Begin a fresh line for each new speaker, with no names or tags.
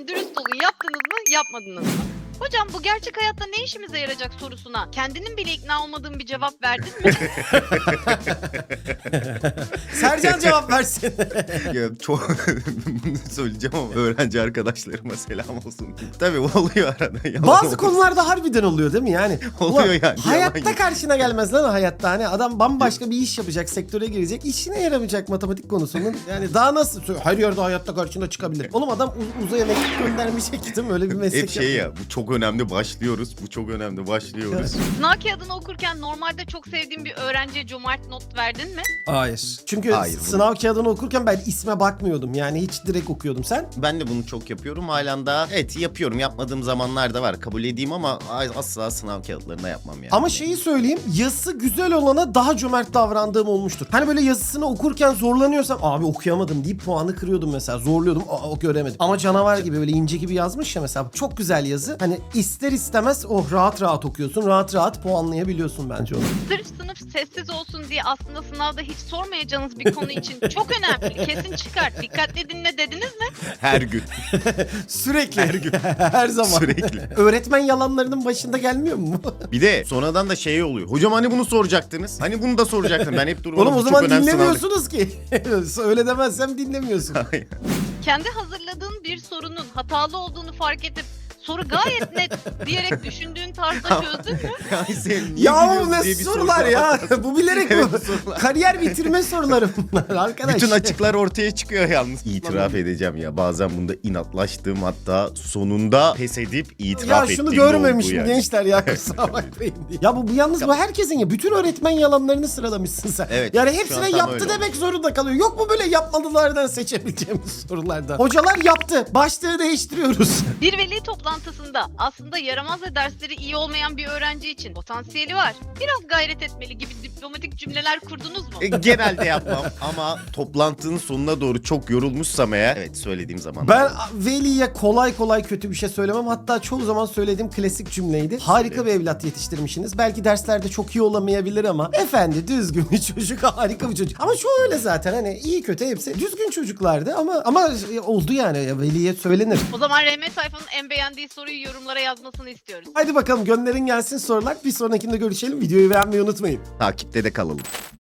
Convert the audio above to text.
olun, dürüst olun. Yaptınız mı, yapmadınız mı? Hocam bu gerçek hayatta ne işimize yarayacak sorusuna kendinin bile ikna olmadığın bir cevap verdin mi?
Sercan cevap versin.
Ya çok bunu söyleyeceğim ama öğrenci arkadaşlarıma selam olsun. Tabii oluyor arada. Yalan
Bazı
olmasın.
konularda harbiden oluyor değil mi yani?
Oluyor
Ulan,
yani,
hayatta
yalan yok.
karşına gelmez lan o hayatta. Hani adam bambaşka bir iş yapacak, sektöre girecek. İşine yaramayacak matematik konusunun. Yani daha nasıl? Her yerde hayatta karşına çıkabilir. Oğlum adam uzaya mektup göndermeyecek değil mi? Öyle bir meslek
Hep şey
yapıyor.
ya, bu çok önemli, başlıyoruz. Bu çok önemli, başlıyoruz.
Sınav kağıdını okurken normalde çok sevdiğin bir öğrenciye cömert not verdin mi?
Hayır. Çünkü
Hayır, bunu-
sınav kağıdını okurken ben isme bakmıyordum. Yani hiç direkt okuyordum. Sen?
Ben de bunu çok yapıyorum. Halen daha evet yapıyorum. Yapmadığım zamanlar da var. Kabul edeyim ama asla sınav kağıtlarına yapmam yani.
Ama şeyi söyleyeyim, yazısı güzel olana daha cömert davrandığım olmuştur. Hani böyle yazısını okurken zorlanıyorsam abi okuyamadım deyip puanı kırıyordum mesela. Zorluyordum, o göremedim. Ama canavar gibi böyle ince gibi yazmış ya mesela. Çok güzel yazı. Hani ister istemez rahat rahat okuyorsun. Rahat rahat puanlayabiliyorsun bence onu.
Sırf sınıf sessiz olsun diye aslında sınavda hiç sormayacağınız bir konu için çok önemli. Kesin çıkar. Dikkatle dinle dediniz mi?
Her gün.
Sürekli. Her gün. Her zaman.
Sürekli.
Öğretmen yalanlarının başında gelmiyor mu?
Bir de sonradan da şey oluyor. Hocam hani bunu soracaktınız? Hani bunu da soracaktım. Ben hep durmadım.
Oğlum o
Bu çok
zaman
önemli
dinlemiyorsunuz ki. Öyle demezsem dinlemiyorsun.
sınav.
Kendi hazırladığın bir sorunun hatalı olduğunu fark edip soru gayet net diyerek düşündüğün tarzda çözdün mü?
Ay sen niye
Ya bu
biliyorsun
ne
diye bir
sorular
soru
ya?
var.
Bu bilerek
Evet,
bu.
bu sorular.
Kariyer bitirme soruları bunlar arkadaş.
Bütün açıklar ortaya çıkıyor yalnız. İtiraf edeceğim ya. Bazen bunda inatlaştığım, hatta sonunda pes edip itiraf
Ya
ettiğim
şunu
de
görmemişim
oldu yani.
gençler ya, kusura bakmayın diye. Ya bu yalnız bu herkesin ya. Bütün öğretmen yalanlarını sıralamışsın sen.
Evet,
Yani
şu an
hepsine
tam
yaptı
öyle
demek zorunda kalıyor. Yok mu böyle yapmadılardan seçebileceğimiz sorulardan? Hocalar yaptı. Başlığı değiştiriyoruz.
Bir veli toplantısında aslında yaramaz ve dersleri iyi olmayan bir öğrenci için potansiyeli var. Biraz gayret etmeli gibi diplomatik cümleler kurdunuz mu?
Genelde yapmam ama toplantının sonuna doğru çok yorulmuşsam eğer evet söylediğim zaman.
Ben veliye kolay kolay kötü bir şey söylemem. Hatta çoğu zaman söylediğim klasik cümleydi. Harika bir evlat yetiştirmişsiniz. Belki derslerde çok iyi olamayabilir ama efendi düzgün bir çocuk, harika bir çocuk. Ama şu öyle zaten, hani iyi kötü hepsi düzgün çocuklardı ama oldu yani, veliye söylenir.
O zaman RM sayfanın en beğendiği soruyu yorumlara yazmasını istiyoruz.
Hadi bakalım gönderin gelsin sorular. Bir sonrakinde görüşelim. Videoyu beğenmeyi unutmayın.
Takipte de kalalım.